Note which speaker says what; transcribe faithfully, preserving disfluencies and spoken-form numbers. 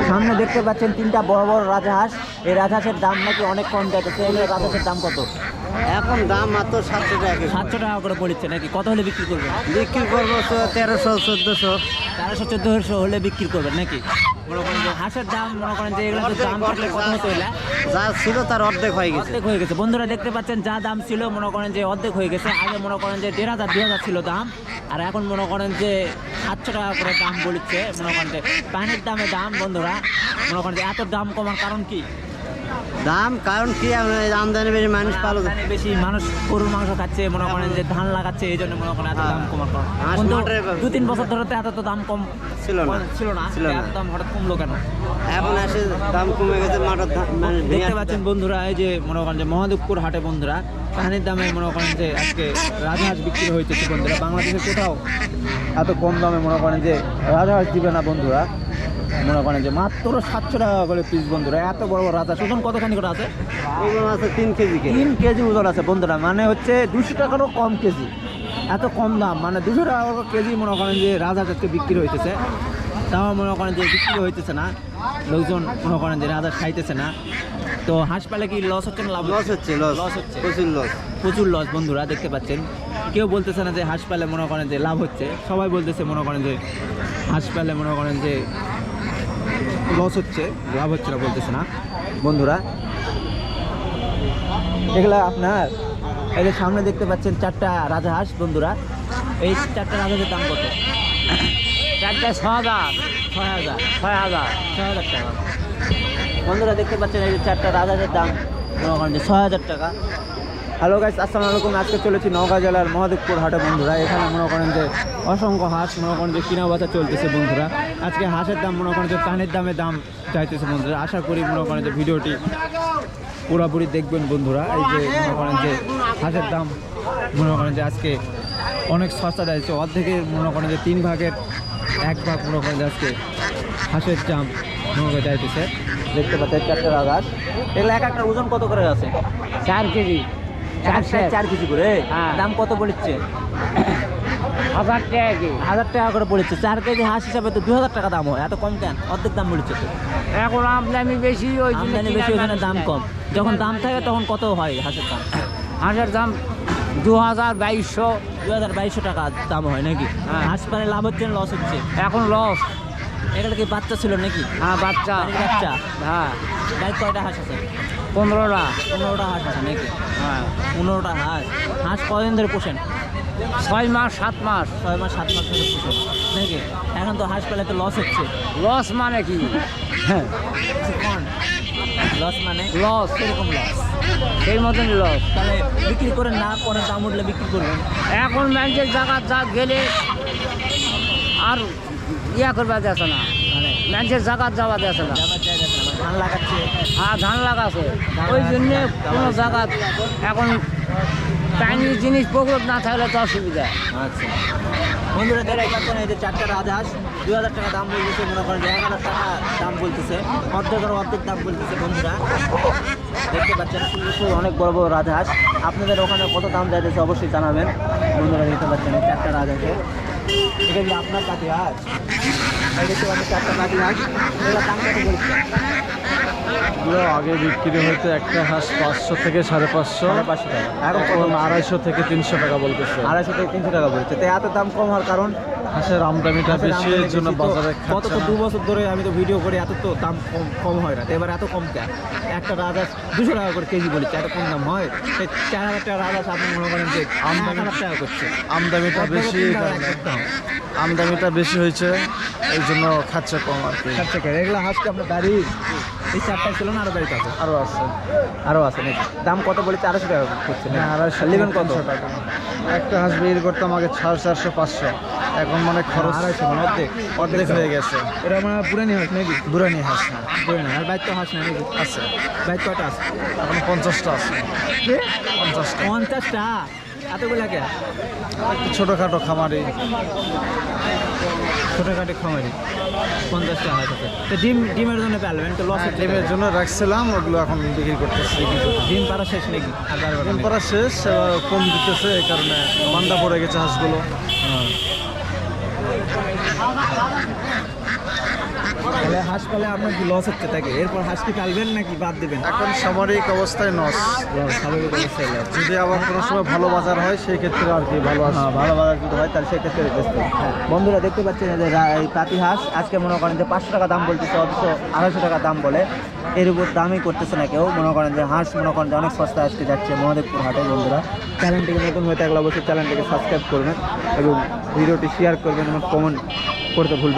Speaker 1: সামনে দেখতে পাচ্ছেন তিনটা বড় বড় রাজহাঁস। এই রাজহাঁসের দাম নাকি অনেক কম যাচ্ছে। এই রাজহাঁসের দাম কত?
Speaker 2: এখন দাম মাত্র সাতশো টাকা।
Speaker 1: সাতশো টাকা করে পড়ছে নাকি? কত হলে বিক্রি করবেন?
Speaker 2: বিক্রি করবো তো তেরোশো চোদ্দোশো।
Speaker 1: তেরোশো চোদ্দোশো হলে বিক্রি করবেন নাকি? মনে করেন যে হাঁসের দাম মনে করেন যে এগুলো দাম থাকলে কত হতো? এলা
Speaker 2: যা ছিল তার অর্ধেক হয়ে গেছে।
Speaker 1: অর্ধেক হয়ে গেছে বন্ধুরা, দেখতে পাচ্ছেন যা দাম ছিল মনে করেন যে অর্ধেক হয়ে গেছে। আগে মনে করেন যে দেড় হাজার দুই হাজার ছিল দাম, আর এখন মনে করেন যে সাতশো টাকা করে দাম বলছে। মনে করেন যে পানির দামে দাম বন্ধুরা, মনে করেন যে এত দাম কমার কারণ কি?
Speaker 2: দাম কারণ কি, আমদানি বেশি, মানুষ পালো
Speaker 1: আমদানি বেশি, মানুষ গরুর মাংস খাচ্ছে, মনে করেন যে ধান লাগাচ্ছে, এই জন্য মনে করেন এত দাম কমার কারণ।
Speaker 2: হাঁস
Speaker 1: কিন্তু
Speaker 2: মাঠের ব্যাপার।
Speaker 1: দু তিন বছর ধরে তো এত তো দাম কম
Speaker 2: ছিল না
Speaker 1: ছিল না
Speaker 2: ছিল না।
Speaker 1: এত দাম হঠাৎ কমলো কেন?
Speaker 2: এখন এসে দাম কমে গেছে মাঠের ধান, মানে
Speaker 1: দেখতে পাচ্ছেন বন্ধুরা, এই যে মনে করেন যে মহাদেবপুর হাটে বন্ধুরা পানির দামে মনে করেন যে আজকে রাজহাঁস বিক্রি হয়েছে বন্ধুরা। বাংলাদেশে কোথাও এত কম দামে মনে করেন যে রাজহাঁস দিবে না বন্ধুরা। মনে করেন যে মাত্র সাতশো টাকা করে পিস বন্ধুরা। এত বড় বড় রাজহাঁস ওজন কতখানি করে আছে?
Speaker 2: ওজন আছে তিন কেজি কে
Speaker 1: তিন কেজি ওজন আছে বন্ধুরা, মানে হচ্ছে দুশো টাকারও কম কেজি। এত কম দাম, মানে দুশো টাকা কেজি মনে করেন যে রাজহাঁস আজকে বিক্রি হইতেছে। তাও মনে করেন যে বিক্রি হইতেছে না, লোকজন মনে করেন যে রাজহাঁস খাইতেছে না। তো হাঁস পালে কি লস হচ্ছে না লাভ?
Speaker 2: লস হচ্ছে, লস
Speaker 1: লস হচ্ছে,
Speaker 2: প্রচুর লস,
Speaker 1: প্রচুর লস বন্ধুরা। দেখতে পাচ্ছেন কেউ বলতেছে না যে হাঁস পালে মনে করেন যে লাভ হচ্ছে, সবাই বলতেছে মনে করেন যে হাঁস পালে মনে করেন যে লস হচ্ছে, লাভ হচ্ছে না বলতেছে না বন্ধুরা। এগুলা আপনার এই যে সামনে দেখতে পাচ্ছেন চারটা রাজহাঁস বন্ধুরা। এই চারটা রাজহাঁসের দাম কত?
Speaker 2: চারটে ছ হাজার,
Speaker 1: ছয় হাজার
Speaker 2: ছয় হাজার
Speaker 1: ছয় হাজার টাকা বন্ধুরা। দেখতে পাচ্ছেন এই যে চারটা রাজহাঁসের দাম মনে করেন যে ছয় হাজার টাকা। হ্যালো গাইস, আসসালামু আলাইকুম। আজকে চলেছি নওগাঁ জেলার মহাদেবপুর হাটে বন্ধুরা। এখানে মনে করেন যে অসংখ্য হাঁস মনে করেন যে কিনা বেচা চলতেছে বন্ধুরা। আজকে হাঁসের দাম মনে করেন যে পানির দামে দাম চাইতেছে বন্ধুরা। আশা করি মনে করেন যে ভিডিওটি পুরোপুরি দেখবেন বন্ধুরা। এই যে মনে করেন যে হাঁসের দাম মনে করেন যে আজকে অনেক সস্তা যাচ্ছে, অর্ধেকের মনে করেন যে তিন ভাগের এক ভাগ মনে করেন যে আজকে হাঁসের দাম মনে করে চাইতেছে। দেখতে পাচ্ছেন চারটে রাজহাঁস। এগুলো এক একটা ওজন কত করে আছে?
Speaker 2: চার কেজি
Speaker 1: চার কেজি করে।
Speaker 2: হ্যাঁ।
Speaker 1: দাম কত পড়ছে?
Speaker 2: হাজার টাকা কি
Speaker 1: হাজার টাকা করে পড়েছে। চার কেজি হাঁস হিসাবে তো দু হাজার টাকা দাম হয়, এত কম কেন? অর্ধেক দাম বলেছে তো।
Speaker 2: এখন আমদানি বেশি, ওই জন্য
Speaker 1: আমদানি বেশি, ওখানে দাম কম। যখন দাম থাকে তখন কত হয় হাঁসের দাম?
Speaker 2: হাঁসের দাম দু হাজার বাইশশো
Speaker 1: দু হাজার বাইশশো টাকা দাম হয় নাকি?
Speaker 2: হ্যাঁ।
Speaker 1: হাঁস পালে লাভ হচ্ছে না লস হচ্ছে?
Speaker 2: এখন লস।
Speaker 1: এগুলো কি বাচ্চা ছিল নাকি?
Speaker 2: হ্যাঁ বাচ্চা,
Speaker 1: বাড়ির বাচ্চা।
Speaker 2: হ্যাঁ
Speaker 1: বাড়ির কয়টা হাঁস আছে?
Speaker 2: পনেরোটা।
Speaker 1: পনেরোটা হাঁস আছে নাকি?
Speaker 2: হ্যাঁ
Speaker 1: পনেরোটা হাঁস। হাঁস কদিন ধরে পোষেন?
Speaker 2: ছয় মাস সাত মাস।
Speaker 1: ছয় মাস সাত মাস ধরে পোষেন নাকি? এখন তো হাঁস পালে তো লস হচ্ছে।
Speaker 2: লস মানে কি? হ্যাঁ
Speaker 1: লস মানে
Speaker 2: লস,
Speaker 1: এরকম লস।
Speaker 2: সেই মতন লস।
Speaker 1: তাহলে বিক্রি করেন না, পরে দাম উঠলে বিক্রি করবেন।
Speaker 2: এখন ব্যাংকের জায়গা যা গেলে আর ইয়া করবা যাচ্ছে না,
Speaker 1: মানে
Speaker 2: ব্যাংকের জায়গা যাওয়া যাচ্ছে না।
Speaker 1: যাবার জায়গা আছে না, মানে ধান লাগাচ্ছে।
Speaker 2: হ্যাঁ ধান লাগাছে, ওই জন্যে কোনো জায়গা এখন পানি জিনিস পুকুর না থাকলে তো অসুবিধা।
Speaker 1: আচ্ছা বন্ধুরা, দেখতে পাচ্ছেন এই যে চারটা রাজহাঁস দুই হাজার টাকা দাম বলতেছে। মনে করেন যে এক হাজার টাকা দাম বলতেছে, অর্ধেকের অর্ধেক দাম বলতেছে বন্ধুরা। দেখতে পাচ্ছেন সুন্দর অনেক বড় বড় রাজহাঁস। আপনাদের ওখানে কত দাম যাইতেছে অবশ্যই জানাবেন বন্ধুরা। দেখতে পাচ্ছেন এই চারটা রাজহাঁসে। এটা কি আপনার কাছে হাঁস? এই দেখতে পাচ্ছেন চারটা কাঠি হাঁস। এগুলোর দাম কত বলছে?
Speaker 3: এগুলো আগে বিক্রি হতো একটা হাঁস পাঁচশো থেকে সাড়ে পাঁচশো,
Speaker 1: সাড়ে পাঁচশো টাকা। এখন কত?
Speaker 3: এখন আড়াইশো থেকে তিনশো টাকা বলতেছে।
Speaker 1: আড়াইশো থেকে তিনশো টাকা বলছে। তো এত দাম কম হওয়ার কারণ?
Speaker 3: হাঁসের আমদানিটা
Speaker 1: হাঁসের
Speaker 3: বেশি,
Speaker 1: আমদানি
Speaker 3: এর জন্য
Speaker 1: বেশি তো।
Speaker 3: বাজারে
Speaker 1: গত
Speaker 3: খাচ্ছে
Speaker 1: তো
Speaker 3: না।
Speaker 1: দু বছর ধরে আমি তো ভিডিও করি, এত তো দাম কম কম হয় না। তো এবার এত কম কেন? একটা রাজহাঁস দুশো টাকা করে কেজি বলেছে, এত কম দাম হয়? সেই চার হাজার টাকা রাজহাঁস আপনি মনে করেন যে আমদানি হাজার টাকা করছে।
Speaker 3: আমদানিটা বেশি, এই কারণে। আমদানিটা বেশি হয়েছে, এই জন্য খাচ্ছে কম আর কি।
Speaker 1: আচ্ছা টাকা এগুলো হাঁসকে আপনার বাড়ির এই চারটায় ছিল না আরো বাড়িতে আছে?
Speaker 3: আরও আছে।
Speaker 1: আরও আছে নাকি? দাম কত বলেছে? আড়াইশো টাকা করছে না?
Speaker 3: হ্যাঁ, আড়াইশো
Speaker 1: নেবেন কত?
Speaker 3: তিনশো টাকা। একটা হাঁস বিক্রি করতাম আগে সাড়ে চারশো পাঁচশো, এখন মানে খরচ
Speaker 1: আড়াইশো মানে অর্ধেক
Speaker 3: অর্ধেক হয়ে গেছে।
Speaker 1: এটা মানে পুরানি হাঁস নাকি?
Speaker 3: দুরানি হাঁস না
Speaker 1: পুরানি আর বাইর তো হাঁস না নাকি?
Speaker 3: আছে,
Speaker 1: বাইর কয়টা আছে?
Speaker 3: এখন পঞ্চাশটা আছে। পঞ্চাশটা
Speaker 1: পঞ্চাশটা? এতগুলা কে?
Speaker 3: একটু ছোটোখাটো খামারি।
Speaker 1: ছোটোখাটো খামারি পঞ্চাশটা হাঁস আছে। তো ডিম ডিমের জন্য পালবেন তো লস হচ্ছে?
Speaker 3: ডিমের জন্য রাখছিলাম, ওগুলো এখন বিক্রি করতেছি।
Speaker 1: ডিম পাড়া শেষ নাকি? আর বারবার
Speaker 3: ডিম পাড়া শেষ, এবার কম দিতেছে, এই কারণে মান্দা পড়ে গেছে হাঁসগুলো।
Speaker 1: তাহলে হাঁস পালে আপনার কি লস হচ্ছে থাকে, এরপর হাঁস কি পালবেন নাকি বাদ দেবেন?
Speaker 3: এখন সামরিক অবস্থায় নস,
Speaker 1: স্বাভাবিক অবস্থায় loss।
Speaker 3: যদি আবার কোনো সময় ভালো বাজার হয় সেই ক্ষেত্রে আর কি ভালো আসে।
Speaker 1: হ্যাঁ, ভালো বাজার যদি হয় তাহলে সেক্ষেত্রে বেচতে হবে। বন্ধুরা দেখতে পাচ্ছেন যে রা- এই পাতি হাঁস আজকে মনে করেন যে পাঁচশো টাকা দাম বলতেছে, অথচ আড়াইশো টাকা দাম বলে, এর উপর দামই করতেছে না কেউ। মনে করেন যে হাঁস মনে করেন যে অনেক সস্তা আজকে যাচ্ছে মহাদেবপুর হাটে। বন্ধুরা চ্যানেলটিকে নতুন হয়ে থাকলে অবশ্যই চ্যানেলটিকে সাবস্ক্রাইব করবেন এবং ভিডিওটি শেয়ার করবেন এবং কমেন্ট করতে ভুলবেন না।